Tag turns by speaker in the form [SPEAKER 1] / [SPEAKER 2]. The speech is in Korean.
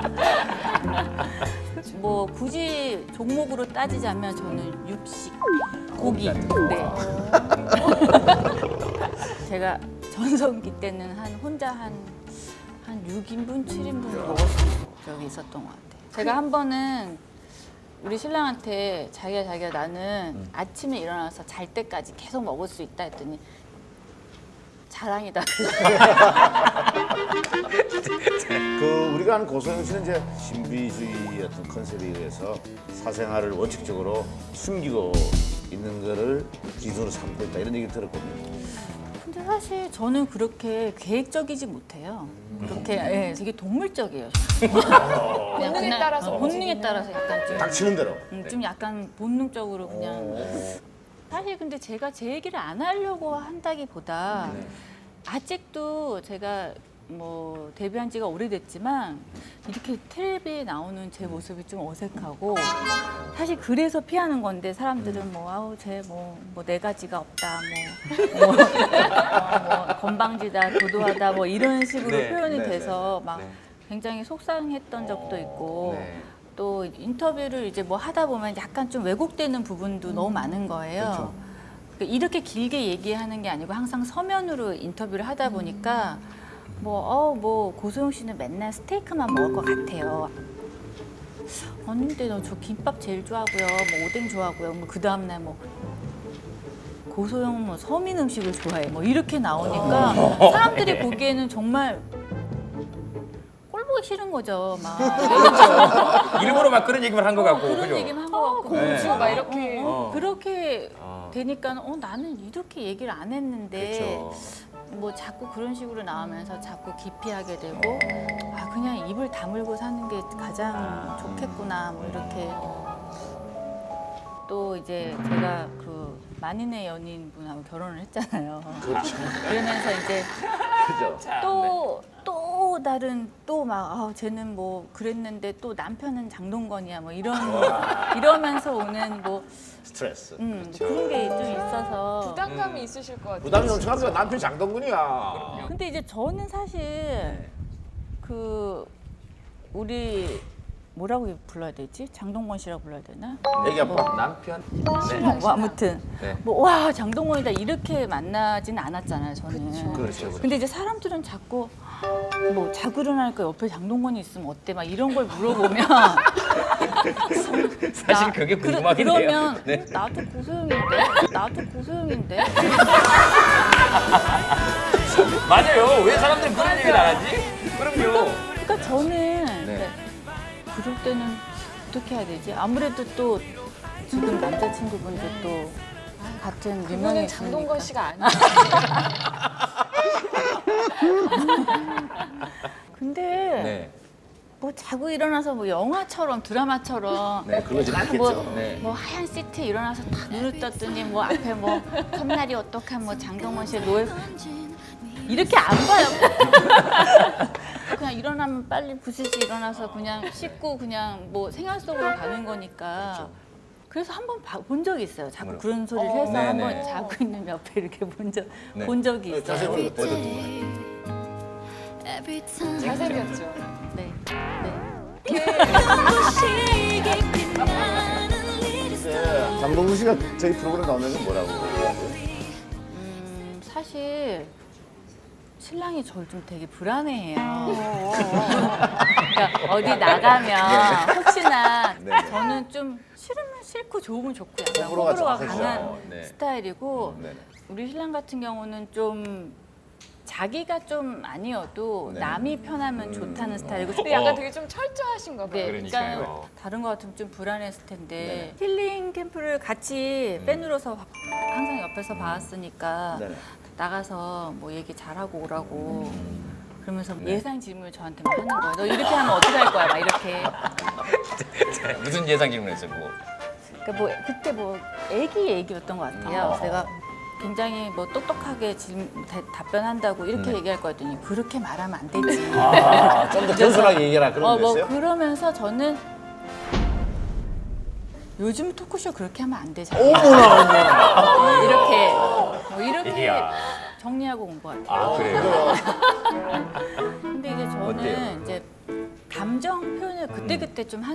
[SPEAKER 1] 뭐 굳이 종목으로 따지자면 저는 육식, 고기. 네. 제가 전성기 때는 혼자 한 6인분, 7인분 먹었던 적이 있었던 것 같아요. 제가 한 번은 우리 신랑한테 자기야 나는 아침에 일어나서 잘 때까지 계속 먹을 수 있다 했더니 자랑이다.
[SPEAKER 2] 우리가 아는 고소영 씨는 이제 신비주의 어떤 컨셉에 의해서 사생활을 원칙적으로 숨기고 있는 거를 기준으로 삼고 있다 이런 얘기 들었거든요.
[SPEAKER 1] 근데 사실 저는 그렇게 계획적이지 못해요. 그렇게 되게 동물적이에요.
[SPEAKER 3] 본능에 따라서
[SPEAKER 1] 본능에 따라서 약간 좀
[SPEAKER 2] 닥치는 대로.
[SPEAKER 1] 좀 약간 본능적으로 그냥 사실 근데 제가 제 얘기를 안 하려고 한다기보다 아직도 제가 뭐 데뷔한 지가 오래됐지만 이렇게 텔레비에 나오는 제 모습이 좀 어색하고 사실 그래서 피하는 건데 사람들은 뭐 아우 쟤 뭐 네 가지가 없다 뭐 건방지다 도도하다 뭐 이런 식으로 표현이 돼서 막 굉장히 속상했던 적도 있고 또 인터뷰를 이제 뭐 하다 보면 약간 좀 왜곡되는 부분도 너무 많은 거예요. 그러니까 이렇게 길게 얘기하는 게 아니고 항상 서면으로 인터뷰를 하다 보니까 뭐 고소영 씨는 맨날 스테이크만 먹을 것 같아요. 아닌데 너 저 김밥 제일 좋아하고요, 뭐 오뎅 좋아하고요, 뭐 그 다음날 뭐 고소영은 뭐 서민 음식을 좋아해, 뭐 이렇게 나오니까 사람들이 보기에는 정말 꼴 보기 싫은 거죠, 막.
[SPEAKER 4] 일부러 막 그런 얘기만 한 것 같고,
[SPEAKER 1] 그런
[SPEAKER 4] 그죠?
[SPEAKER 1] 얘기만 한 것 같고.
[SPEAKER 3] 공주 막 이렇게.
[SPEAKER 1] 그렇게 되니까 나는 이렇게 얘기를 안 했는데 뭐 자꾸 그런 식으로 나오면서 자꾸 기피하게 되고 그냥 입을 다물고 사는 게 가장 좋겠구나 뭐 이렇게 또 이제 제가 그 만인의 연인분하고 결혼을 했잖아요. 그러면서 이제 또 다른 또 막 쟤는 뭐 그랬는데 또 남편은 장동건이야 뭐 이러면서 오는 뭐
[SPEAKER 2] 스트레스.
[SPEAKER 1] 뭐 그런 게 좀 있어서
[SPEAKER 3] 부담감이 있으실 것 같아요.
[SPEAKER 2] 부담이 엄청나니까 남편이 장동건이야.
[SPEAKER 1] 근데 이제 저는 사실 그 우리 뭐라고 불러야 되지? 장동건 씨라고 불러야 되나?
[SPEAKER 2] 애기 아빠.
[SPEAKER 4] 남편?
[SPEAKER 1] 뭐 아무튼
[SPEAKER 4] 네.
[SPEAKER 1] 뭐 와 장동건이다 이렇게 만나지는 않았잖아요 저는.
[SPEAKER 2] 그렇죠.
[SPEAKER 1] 근데 이제 사람들은 자꾸 뭐 자고 일어나니까 옆에 장동건이 있으면 어때? 막 이런 걸 물어보면
[SPEAKER 4] 사실 그게 궁금하긴 해요.
[SPEAKER 1] 그러면
[SPEAKER 4] 네.
[SPEAKER 1] 나도 고소영인데
[SPEAKER 4] 맞아요. 왜 사람들이 그런 얘기를 안 하지? 그럼요.
[SPEAKER 1] 그러니까 저는 그럴 때는 어떻게 해야 되지? 아무래도 또 지금 남자친구분도 또 같은
[SPEAKER 3] 그분은
[SPEAKER 1] 유명했으니까.
[SPEAKER 3] 장동건 씨가 아니에요.
[SPEAKER 1] 근데 뭐 자고 일어나서 뭐 영화처럼 드라마처럼
[SPEAKER 2] 그러진 않겠죠.
[SPEAKER 1] 뭐 하얀 시트에 일어나서 다 눈을 떴더니 뭐 앞에 뭐 컵날이 어떡한 뭐 장동건 씨의 노예 이렇게 안 봐요. 그냥 일어나면 빨리 부스스 일어나서 그냥 씻고 그냥 뭐 생활 속으로 가는 거니까. 그래서 한 번 본 적이 있어요. 자꾸 그런 소리를 해서
[SPEAKER 4] 네네.
[SPEAKER 1] 한 번 자고 있는 옆에 이렇게 본 적이 있어요.
[SPEAKER 2] 자세히 보여줬던
[SPEAKER 3] 잘생겼죠.
[SPEAKER 1] 네.
[SPEAKER 2] 거예요. 장동건 씨가 저희 프로그램 나오면 뭐라고?
[SPEAKER 1] 사실 신랑이 저를 좀 되게 불안해해요. 그러니까 어디 나가면 혹시나 저는 좀 싫으면 싫고 좋으면 좋고 약간
[SPEAKER 2] 호불호가
[SPEAKER 1] 호불호가
[SPEAKER 2] 정확하죠.
[SPEAKER 1] 강한
[SPEAKER 4] 네.
[SPEAKER 1] 스타일이고
[SPEAKER 2] 네네.
[SPEAKER 1] 우리 신랑 같은 경우는 좀 자기가 좀 아니어도 남이 편하면 좋다는 스타일이고
[SPEAKER 3] 근데 약간 되게 좀 철저하신가 봐요.
[SPEAKER 1] 네,
[SPEAKER 4] 그러니까요.
[SPEAKER 1] 그러니까 다른 거 같으면 좀 불안했을 텐데 힐링 캠프를 같이 팬으로서 항상 옆에서 봐왔으니까
[SPEAKER 2] 네네.
[SPEAKER 1] 나가서 뭐 얘기 잘하고 오라고 그러면서 예상 질문을 저한테 막 하는 거예요. 너 이렇게 하면 어떻게 할 거야? 막 이렇게.
[SPEAKER 4] 무슨 예상 질문했어요, 그거?
[SPEAKER 1] 그러니까 뭐 그때 뭐 애기였던 것 같아요. 제가 굉장히 뭐 똑똑하게 답변한다고 이렇게 얘기할 거였더니 그렇게 말하면 안 되지.
[SPEAKER 2] 좀 더 겸손하게 얘기해라 그런
[SPEAKER 1] 뭐
[SPEAKER 2] 거였어요?
[SPEAKER 1] 그러면서 저는 요즘 토크쇼 그렇게 하면 안 되잖아.
[SPEAKER 2] 어머나.
[SPEAKER 1] 이렇게
[SPEAKER 4] 이야.
[SPEAKER 1] 정리하고 온 것 같아요.
[SPEAKER 4] 아, 그래요?
[SPEAKER 1] 근데 이제 저는
[SPEAKER 4] 어때요?
[SPEAKER 1] 이제 감정 표현을 그때그때 좀